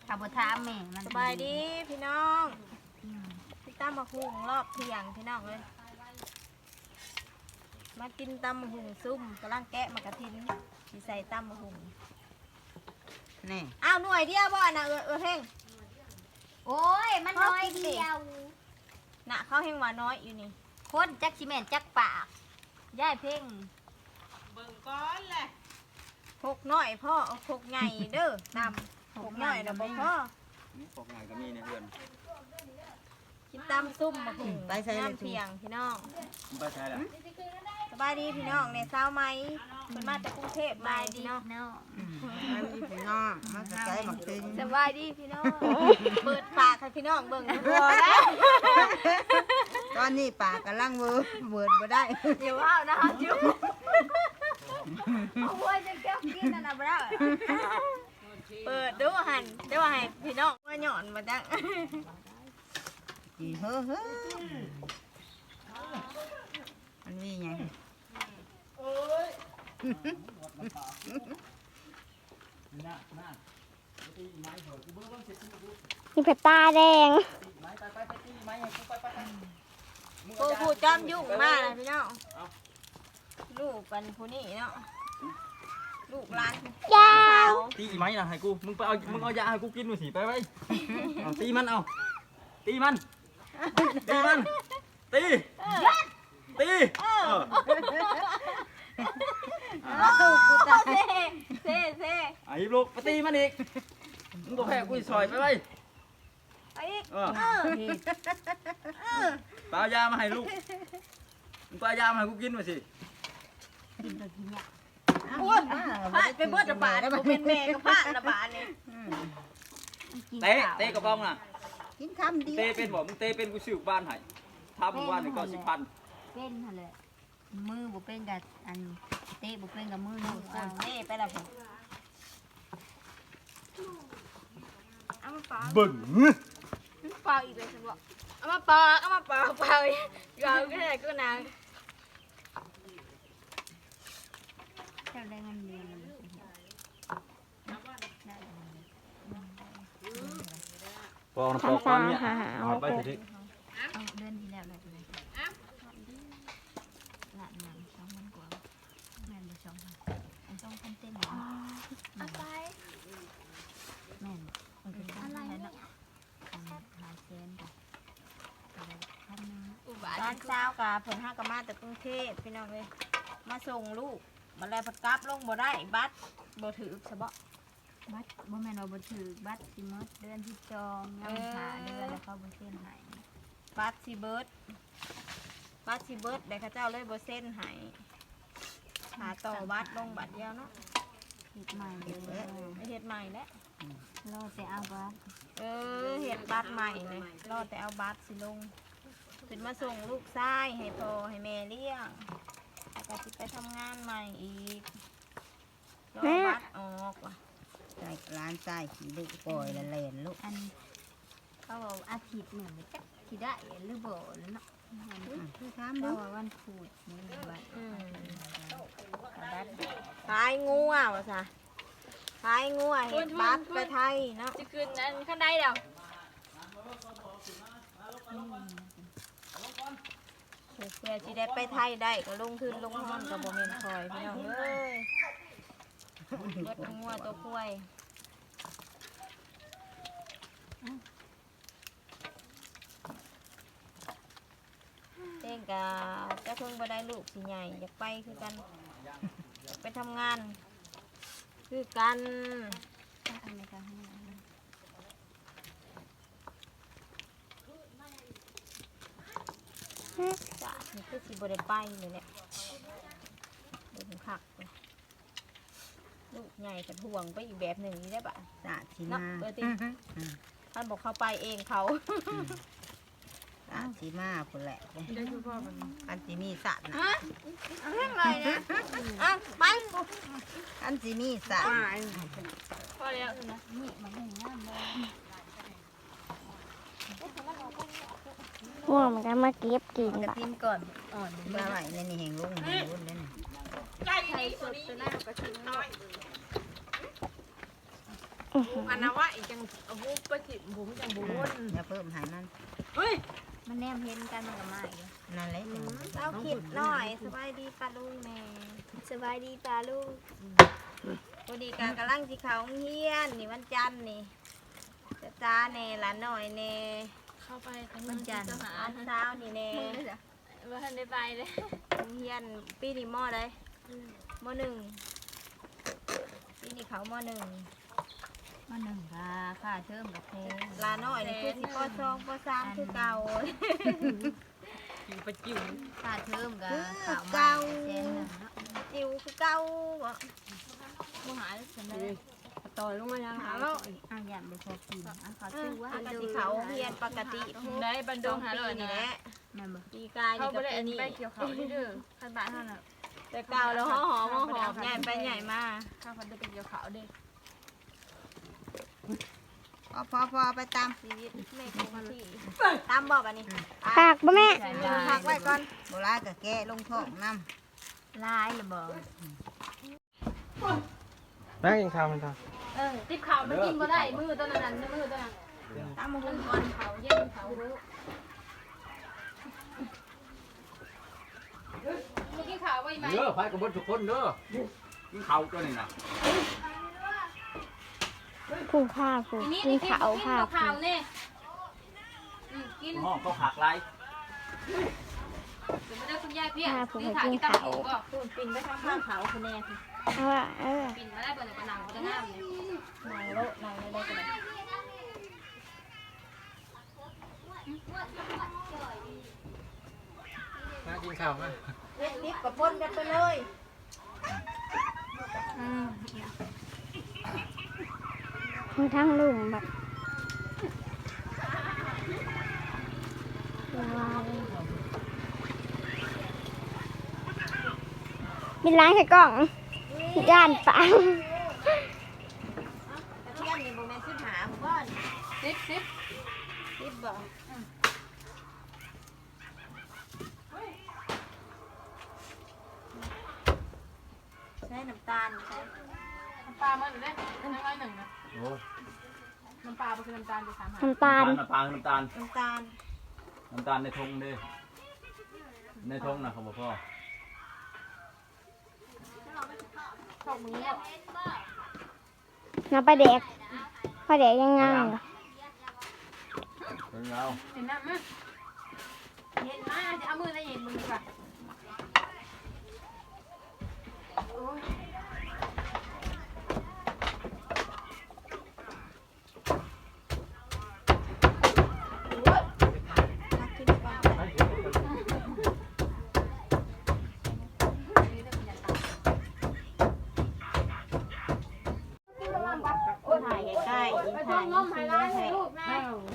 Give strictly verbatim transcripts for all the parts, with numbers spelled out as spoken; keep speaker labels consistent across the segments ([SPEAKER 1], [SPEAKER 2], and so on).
[SPEAKER 1] ขับรถท้าแม่มัน
[SPEAKER 2] สบายดีพี่น้องพี่ตั้มมาหุงรอบเที่ยงพี่น้องเลยมากินตำมะหุงซุ่มกำลังแกะมากระทินที่ใส่ตำมะหุง
[SPEAKER 3] นี่
[SPEAKER 2] อ้าวหน่วยเดียวบ่น่ะเออเออเพ่ง
[SPEAKER 1] โอ้ยมันน้อยเดียว
[SPEAKER 2] น่ะเขาเฮงว่าน้อยอยู่นี่
[SPEAKER 1] คนจักชิแม่นจักปากย่ายเพ่ง
[SPEAKER 4] เบิ่งก้อนแหละ
[SPEAKER 2] พกน้อยพ่อเอาพกใหญ่เด้อตำพกน้อยเด้อบ่พ่อ
[SPEAKER 5] นี่พวกงานก็มีในเพื่อน
[SPEAKER 2] กินตำซุ่มมะหุงน้ำเที่ยงพี่น้อง
[SPEAKER 5] มึงไปใช้ละ
[SPEAKER 2] สบายดีพี่น้องเนี่ยเช้าไหมเพิ่นมาจากกรุงเทพมาพี่น้อง
[SPEAKER 1] เนาะ
[SPEAKER 3] มันมีพี่น้องมันจะใช้หมักตึง
[SPEAKER 2] สบายดีพี่น้องเปิดปากให้พี่น้องเบิ่งพอแล้ว
[SPEAKER 3] ตอนนี้ปากกำลังเวิร์ดเวิร์ดบ่ได้
[SPEAKER 2] อย่าว่านะคะจุ๊บเอาไว้จะแก้วกินนั่นน่ะบ่ได้เปิดดูหันเดี๋ยวให้พี่น้องว่าหย่อนมาจัง
[SPEAKER 3] จีเฮ้อเฮ้อมันมีไง
[SPEAKER 6] มีเพชรตาแดง
[SPEAKER 2] ผู้ผู้จอมยุ่งมากเลยพี่น้องลูกกันผู้นี้เนาะลูกหลาน
[SPEAKER 6] ยาว
[SPEAKER 5] ตีไหมนะให้กูมึงไปเอามึงเอายาให้กูกินหน่อยสิไปไปเอาตีมันเอาตีมันตีมันตีตีเออ
[SPEAKER 2] ลูกกูตาเซ่เซ่เซ่
[SPEAKER 5] ไอ้ลูกไปตีมันอีกมึงก็แพ้กูซอยไปไป
[SPEAKER 2] ไอ้อีก
[SPEAKER 5] เออ
[SPEAKER 2] เออเออ
[SPEAKER 5] ไปเอายามาให้ลูกมึงไปเอายามาให้กูกินหน่อยสิ
[SPEAKER 1] กินตัวกินเนี่ย
[SPEAKER 2] โอ้ยพลาดไปเบิดระบาดผมเป็นแม่ก็พลาดระบาดนี่
[SPEAKER 5] เตะเตะกระบองน่ะ
[SPEAKER 3] กินคำเดียว
[SPEAKER 5] เตะเป็นบอกมึงเตะเป็นกูซื้อบ้านให้ทำบ้านหนึ่งก็สิบพัน
[SPEAKER 1] เป็นหั่นแหละมือบ่เป็นกับอันเตะบ่เป็นกับมือ
[SPEAKER 2] ค
[SPEAKER 1] ลูกเอา
[SPEAKER 2] นนี่ไปแล้วผมเอามาปา
[SPEAKER 5] เบิ่ง
[SPEAKER 2] เปล่าอีกเลยฉันบอกเอามาปาเอามาปาเปล่าอีกเอาก็ได้ก็นาง
[SPEAKER 1] เจ้าได้เงินเดือนแล้วบ่สิเฮ็ด
[SPEAKER 5] ปองปองก้อนเนี่ยเอาไปสิ
[SPEAKER 1] เอาเดือนที่แล้วได้เลยละหนังสองพันกว่าแม่นบ่สองพันอันสองพันเต็มหรอ
[SPEAKER 2] เอาไป
[SPEAKER 1] แม่นมันเป็นอะไรเนาะอันหาเซนกับอะไรพันหนึง
[SPEAKER 2] ตอนเช้ากะเพิ่นห้ากะมาจากกรุงเทพพี่น้องเลยมาส่งลูกมาแล้วพัดกลับลงบ่ได้บัตรบ่ถือซะบ่
[SPEAKER 1] บัตรบ่แม่นว่าบ่ถือบัตรสิหมดเดือนที่จองยังหาเดือนแล้วเขาบ่เซ็นให้
[SPEAKER 2] บัตรสิเบิดบัตรสิเบิดได้เขาเจ้าเลยบ่เซ็นให้หาต่อบัตรลงบัตรเดียวเนาะ
[SPEAKER 1] เฮ็ดใหม่เลย
[SPEAKER 2] ไปเฮ็ดใหม่แล้ว
[SPEAKER 1] รอแต่เอาบัตร
[SPEAKER 2] เออเฮ็ดบัตรใหม่เลยรอแต่เอาบัตรสิลงขึ้นมาส่งลูกชายให้พ่อให้แม่เลี้ยงแล้วก็สิไปทำงานใหม่อีกรอบัตรออกว่ะ
[SPEAKER 3] ใส่ร้านใส่ขี้ลูกปล่อยละเลนลูก
[SPEAKER 1] อันเขาบอกอาทิตย์หนึ่งจักสิได้หรือบ่แล้วเนาะ
[SPEAKER 3] คือถาม
[SPEAKER 1] เพ
[SPEAKER 3] ดู
[SPEAKER 1] ราะว่าวันพุธนี่บัตร
[SPEAKER 2] อืม
[SPEAKER 1] บัตร
[SPEAKER 2] ขายงัวว่ะซะขายงัวเฮ็ดบัตรไปไทยเนาะ
[SPEAKER 4] จะคืนนั้นข้างในเดี๋ยว
[SPEAKER 2] เพื่อสิได้ไปไทยได้ก็ลงทุนลงห้อนก็บ่แม่นคอยพี่น้องเอ้ยเบิดทั้งงัวตัวกล้วยเต้งกะจะเพิ่งบ่ได้ลูกสิใหญ่อยากไปคือกันอยากไปทำงาน คือกัน
[SPEAKER 1] อันนี้ก็ให้
[SPEAKER 2] จ้ะนี่คือสิบ่ได้ไปเลยเนี่ยเดินคักเลยลูกใหญ่กับห่วงไปอีกแบบหนึ่งนี่ได้ปะ
[SPEAKER 3] สาดสี
[SPEAKER 2] เนาะ
[SPEAKER 3] มา
[SPEAKER 2] เออติท่านบอกเขาไปเองเขา
[SPEAKER 3] สาดสีมาคนแหละ
[SPEAKER 4] ได้คือพ่อมัน
[SPEAKER 3] อันสีมีสาดนะ
[SPEAKER 2] ฮะเอาเรื่องอะไรนะอ่ะไป
[SPEAKER 3] อันสีมีสาด
[SPEAKER 4] พ่อแล้วนะ
[SPEAKER 1] นี่มันให้งามเลย
[SPEAKER 6] ห่วงมันก็มาเก็บกิน
[SPEAKER 3] กระ
[SPEAKER 6] บ่ะ
[SPEAKER 3] ทิมก่อนอ่อนมาไหวในนี่แหงลุงแหงรุ่นนั่น
[SPEAKER 4] ไก่นี่ตัวนี้ตัวหน้าก็ชิ้นน้อย
[SPEAKER 6] อื้อหือ
[SPEAKER 4] อันนั้นว่าอีกจังเอาหูไปถิ่มผมจังบุญ
[SPEAKER 3] อย่าเพิ่มใหายมัน
[SPEAKER 4] เฮ้ย
[SPEAKER 1] มันแนมเห็นกันมันก็มาอีก
[SPEAKER 3] นั่นแหละจัง
[SPEAKER 2] เอาคิดหน่อยสบายดีปลาลุงแม่สบายดีปลาลุงพอดีการกำลังสิเขาเฮียนนี่วันจันทร์นี่จะจ้าแน่หลานหน่อยแน่
[SPEAKER 4] เข้าไปทาง
[SPEAKER 1] มันจันทร์
[SPEAKER 4] หา
[SPEAKER 2] อันเช้านี่แน่
[SPEAKER 4] ว่าทันได้ไปเลย
[SPEAKER 2] เฮียนปีนี้มอได้มอหนึ่งปีนี้เขามอหนึ่ง
[SPEAKER 1] มาหนึ่งค่ะค่าเทอมกับแพง
[SPEAKER 2] หลานหน่อยนี่คือสิปสองปสามคือเก่า
[SPEAKER 4] จิ๋วไปจิ๋ว
[SPEAKER 1] ค่าเทอมกับข่าวมาเซนหนึ่งเนาะ
[SPEAKER 2] จิ๋วคือเก่าบ่
[SPEAKER 1] ผู้หาเสนอ
[SPEAKER 4] ต่อยลงมายัง
[SPEAKER 2] หาแล้ว
[SPEAKER 1] อ่ะยามไปพอกินอ่ะเขา
[SPEAKER 2] เอ
[SPEAKER 1] ชื่
[SPEAKER 2] อ
[SPEAKER 1] อว่า
[SPEAKER 2] ปกติเขาเฮียนปกติ
[SPEAKER 4] ได้บรร
[SPEAKER 2] ส
[SPEAKER 4] ด
[SPEAKER 2] อง ง
[SPEAKER 4] หา
[SPEAKER 2] ปี
[SPEAKER 4] เลย
[SPEAKER 2] นี่
[SPEAKER 4] นะ
[SPEAKER 2] แหละ
[SPEAKER 1] แม่นบ่
[SPEAKER 2] ปีกาย
[SPEAKER 4] เขา
[SPEAKER 2] นี่
[SPEAKER 4] ไม่
[SPEAKER 2] กับ
[SPEAKER 4] ได้
[SPEAKER 2] ปีนี้
[SPEAKER 4] ไปเกี่ยวเขาที่เด้อขันบ้านเท่านั้น
[SPEAKER 2] แต่เก่าแล้วห่อหอมหอมใหญ่ไปใหญ่มา
[SPEAKER 4] ข้าวพันได้ไปเกี่ยวเขาเด้
[SPEAKER 3] พอพอพอไปตาม
[SPEAKER 2] ชีวิตแม่คงที่ตามบอกอันนี้
[SPEAKER 6] ปากบ่แม่
[SPEAKER 2] พักไว้ก่อน
[SPEAKER 3] โบราณก็แกะลงท้องน้
[SPEAKER 1] ลายหรือบ่
[SPEAKER 5] แม่กินข้าวมันจ้ะ
[SPEAKER 4] เออติบข่าวมันกินมาได้มือตอนนั้นมือตอนนั้น
[SPEAKER 2] ตามมาหุ่นก่อน
[SPEAKER 4] เขาเย็นเขารู้เมื่อกี้ข่าวไว้ไหม
[SPEAKER 5] เด้อไปกับเบิดทุกคนเด้อกินข้าวตัวนี้น่ะ
[SPEAKER 6] ผู้ข้าผู้
[SPEAKER 4] ทีนี้
[SPEAKER 6] กิน
[SPEAKER 4] กิน
[SPEAKER 6] ขาวข้า
[SPEAKER 4] ข่าวเนี่ยกิน
[SPEAKER 5] ห้องเขาหักไร
[SPEAKER 4] เดี๋ยวมาได้คุณยายเพี้ยนี่ขาที่ตั้งอยู่ก็
[SPEAKER 2] หุ่นปินไปข้างข้างเขาคุณแน่พี่
[SPEAKER 6] เอาว่าเออ
[SPEAKER 4] ปิ่นมาได้บนกระหนังกระงามเนี่ย
[SPEAKER 2] นางโลนางได้ได้กันเลย
[SPEAKER 5] มากินข้าวมา
[SPEAKER 2] เล็ดลิฟกับปนกันไปเลย
[SPEAKER 6] ทั้งทั้งลุ่มแบบว้าวมีล้างใส่กล่องย่านปัง
[SPEAKER 2] แต่ที่ยันนี่โมเมนต์ขึ้นหาผมว่า
[SPEAKER 4] ซิปซิป
[SPEAKER 2] ลิฟบอกใช้น้ำตาลใช้
[SPEAKER 4] น้ำปลาเมื่อไหร่ได้น้ำร้อยหนึ่งนะ
[SPEAKER 5] โอ้
[SPEAKER 4] น้ำปลาเป็นน้ำตาลจะสามหา
[SPEAKER 6] น้ำตาล
[SPEAKER 5] น้ำตาลน้ำตาล
[SPEAKER 2] น้ำตาล
[SPEAKER 5] น้ำตาลในทงเด้ในทงนะของพ่อ
[SPEAKER 4] ชอบมือเนี่ย
[SPEAKER 6] น้ำปลาแดกปลาแดกยังไง
[SPEAKER 5] เป็นเรา
[SPEAKER 4] เห็นน้ำมั้ยเห็นมาจะเอามือได้เห็นมือดีกว่า
[SPEAKER 2] ทักขึ้นไปก่อนถ่ายใกล้ๆ
[SPEAKER 4] ไป
[SPEAKER 2] ถ่าย
[SPEAKER 4] ทงงมไฮไลท์ให้ลูกนะ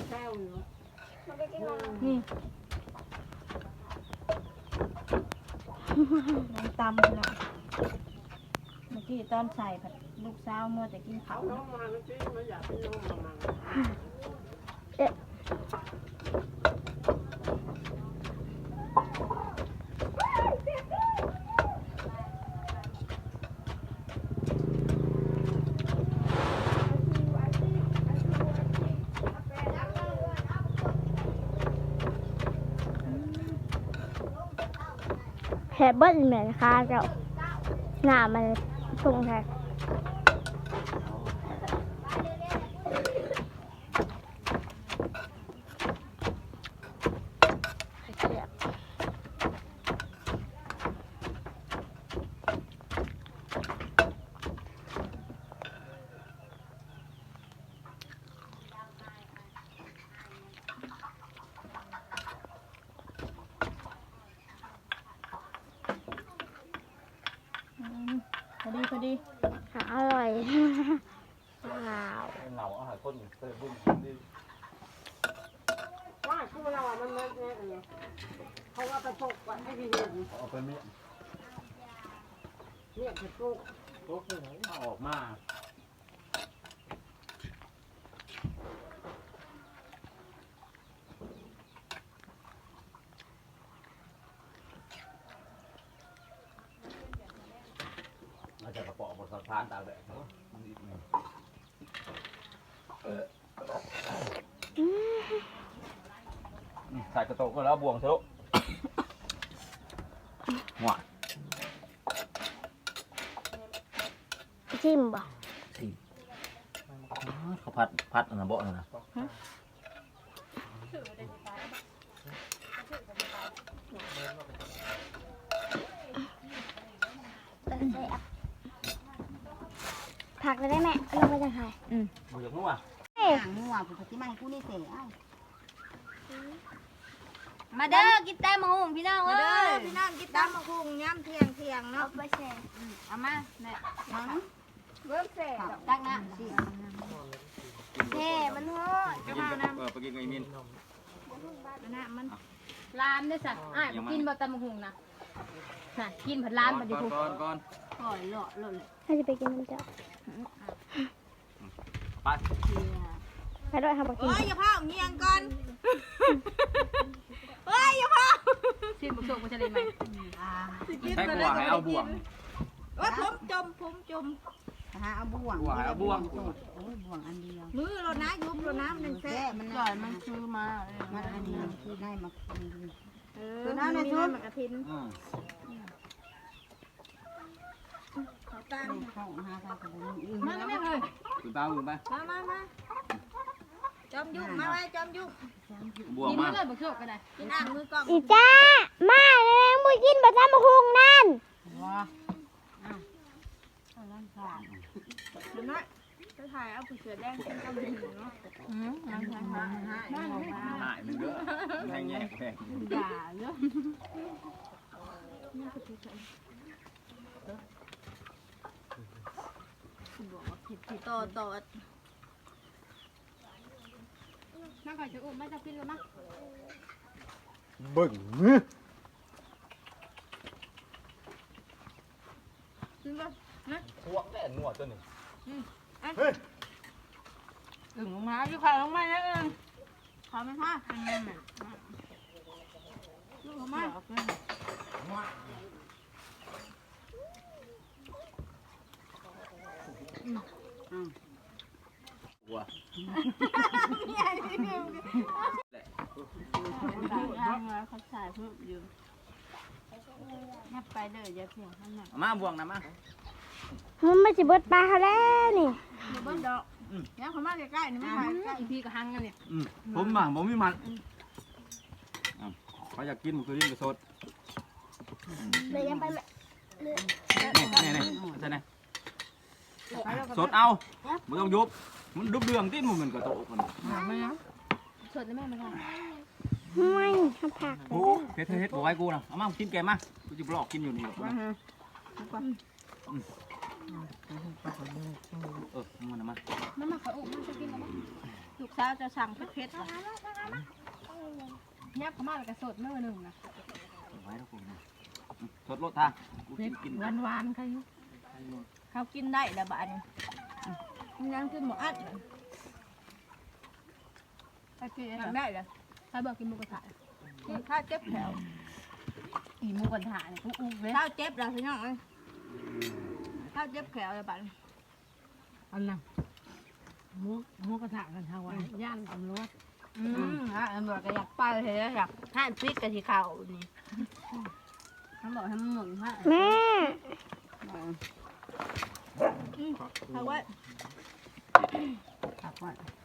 [SPEAKER 2] น้ำตำเนาะเมื่อกี้ตอนใส่ผัดลูกสาวมัวแต่กินเขาว
[SPEAKER 6] แฮเบิ้ลเหมือนค่ะเจ้าหน้ามันตรงแท้
[SPEAKER 2] พอดีพอดี
[SPEAKER 6] อร่อยว้าว
[SPEAKER 5] เหงาอาหารคนเคยบุญดี
[SPEAKER 7] ว่าคือเราอ่ะมันมันเนี่ยเออเขาว่าไปปลูกไว้ให้พี่เห็น
[SPEAKER 5] เอาไปเมีย
[SPEAKER 7] เนี่ยไปปลูก
[SPEAKER 5] โต๊ะเลยเอาออกมาเราจะกระป๋องบนสะพานตากแดดเนาะมันอีกหนึ่งใส่กระโตกก็แล้วบวงทะลุหัว
[SPEAKER 6] ชิมบ่
[SPEAKER 5] สิเขาพัดพัดอันนั้นบ่นั่นนะ
[SPEAKER 6] ผักเลยได้แม่ลงไปจังไห้
[SPEAKER 5] บ่อยากนัว
[SPEAKER 3] หางงัวผู้ที่มาให้กูนี่เสียเอ้า
[SPEAKER 1] มาเด้อกินแตงโมหุงพี่น้อง
[SPEAKER 2] มา
[SPEAKER 1] เอ้
[SPEAKER 2] เด้อย พี่น้องกินตำมะคุงย่ำเที่ยงเที่ยงเนาะ
[SPEAKER 6] ไปแช่
[SPEAKER 1] เอามาแม่
[SPEAKER 2] เบิ่มเสร็จ
[SPEAKER 1] ตักน้
[SPEAKER 6] แช่มันโหด
[SPEAKER 5] ไปกินกับเออไปกินกับไอ้มิน
[SPEAKER 2] น้ำมัน
[SPEAKER 4] ลานด้วยสัอ้ายบ่กินบ่ตำบักหุ่งนะน่ะกินผัดลานบัดนี้ถูก
[SPEAKER 5] ก่อนก่อน
[SPEAKER 1] ำก่อยเลาะเลาะเลย
[SPEAKER 6] ถ้าจะไปกินน้ำเจ้า
[SPEAKER 5] ไป
[SPEAKER 6] ไปด้วยค่ะบอกกิน
[SPEAKER 2] โอ้ยอย่าเผาเงียงก่อนเฮ้ยอย่าเผา
[SPEAKER 4] ชิมบักโชคบ่จะได้ไหม
[SPEAKER 5] ใช้บัวให้เอาบ่วง
[SPEAKER 2] โอ้ยผมจมผมจม
[SPEAKER 3] หาเอาบ่วง
[SPEAKER 5] บ่วงให้เอาบ่วง
[SPEAKER 3] โอ้ยบ่วงอันเดียว
[SPEAKER 2] มือเรานะยุบเราน้ำหนึ่ง
[SPEAKER 3] แซ่
[SPEAKER 2] แซ่
[SPEAKER 3] มัน
[SPEAKER 1] ก่อยมันซื้อมา
[SPEAKER 3] มันอันนี้คือได้มาคืน
[SPEAKER 2] เออน้ำในชุดมันกระทิน
[SPEAKER 5] อืม
[SPEAKER 2] เขาตั้ง
[SPEAKER 3] เข้าหาทางกระบุนอื่น
[SPEAKER 4] มาแล้วแม่เลย
[SPEAKER 5] คุณป้าคุณไป
[SPEAKER 2] มามามาจอมยุ่งมาไว้จอมยุ่ง
[SPEAKER 5] บ่วง
[SPEAKER 4] กิน
[SPEAKER 5] มา
[SPEAKER 4] มาเลยบักโชคก็ได้
[SPEAKER 2] กินอ่างมือกล้อง
[SPEAKER 6] อีจ้ามาเลยมึงกินบะจ้ามาคุงนั่น
[SPEAKER 2] เดี๋ยวน้อยจะถ่ายเอาผู้เสือแดงเป็นกำลังเนาะ
[SPEAKER 1] อืมน้ำใส่หาหา
[SPEAKER 5] หายมันเด้อแพงแย่แพง
[SPEAKER 1] อย่าเยอะ
[SPEAKER 2] ต่อต่อ
[SPEAKER 4] มาก่อนจะอุ้มมาจะกินแล้วมั้ง
[SPEAKER 5] เบิ่ง
[SPEAKER 2] ขึ้นป่ะ
[SPEAKER 5] พวกแน่นัวตัวนี้
[SPEAKER 1] อึ่งลงมาอยู่ข้าวลงมาแล้วอึ่ง
[SPEAKER 2] ขอไหมคะ
[SPEAKER 1] เป็นไงแม่
[SPEAKER 2] ลูกขอมา
[SPEAKER 5] บัว
[SPEAKER 1] ย่างแล้วเขาใส่เพิ่มอยู่นับไปเด้ออย่าเพียงข้างหน้า
[SPEAKER 5] เอามาบ่วงนะมา
[SPEAKER 6] มันไม่จะเบิดปลาเขาแล้วนี่
[SPEAKER 2] เดี๋ยวเบิ้ลดอกเนี่ยเขามาใกล้ๆนี่ไม่ถ่ายใกล้
[SPEAKER 4] อีพีก็หังกันเนี่ย
[SPEAKER 5] อืมผมมาผมมีมันอ่ะเขาอยากกินมันคือลิ้นกระสด
[SPEAKER 6] เลยยังไปแม่
[SPEAKER 5] นี่นี่นี่ใช่ไหมสดเอาไม่ต้องยุบมันดุบเดืองติ้นมันกระโตกมัน
[SPEAKER 4] สดได้แม่มาค่ะ
[SPEAKER 6] ไม่ทำผักเล
[SPEAKER 5] โอ้
[SPEAKER 6] ย
[SPEAKER 5] เฮ็ดเฮ็ดบอกไว้กูนะเอามากินแกมากูจะหลอกกินอยู่นี่หรอกนะเออมันนะมา
[SPEAKER 4] มามาขออุ้มมาจะกินแล้วมั้ง
[SPEAKER 2] ลูกสาวจะสั่งเพชร
[SPEAKER 4] ยับเข้ามาแล้วก็สดมื้อหนึงนะ
[SPEAKER 5] ไว้แล้วกูนะสดรสทางกูกิน
[SPEAKER 4] หวานหวานๆค่ะอยู่
[SPEAKER 2] เขากินได้แล้วบ้านนี้ยังกินหมดอัด
[SPEAKER 4] ไปกิน
[SPEAKER 2] ทำได้เลย
[SPEAKER 4] ใครบอกกินหมูกระทะ
[SPEAKER 2] ข้าวเจ็บแถว
[SPEAKER 4] อีหมูกระทะเนี่ยกูอุ้มเว้ย
[SPEAKER 2] ข้าวเจ็บแล้วพี่น้องข้าวเจ็บแขวเลยบ้าน
[SPEAKER 7] อันน่ะหมูหมูกระทะกันทางวันย่านตำรวจ
[SPEAKER 2] อืมฮะตำรวจก็อยากไปเลยอยากให้ปิดกะทิข้าวนี่
[SPEAKER 1] เขาบอกให้มันหมุนให้
[SPEAKER 6] แม่
[SPEAKER 2] เขาว่า
[SPEAKER 3] ตักไว้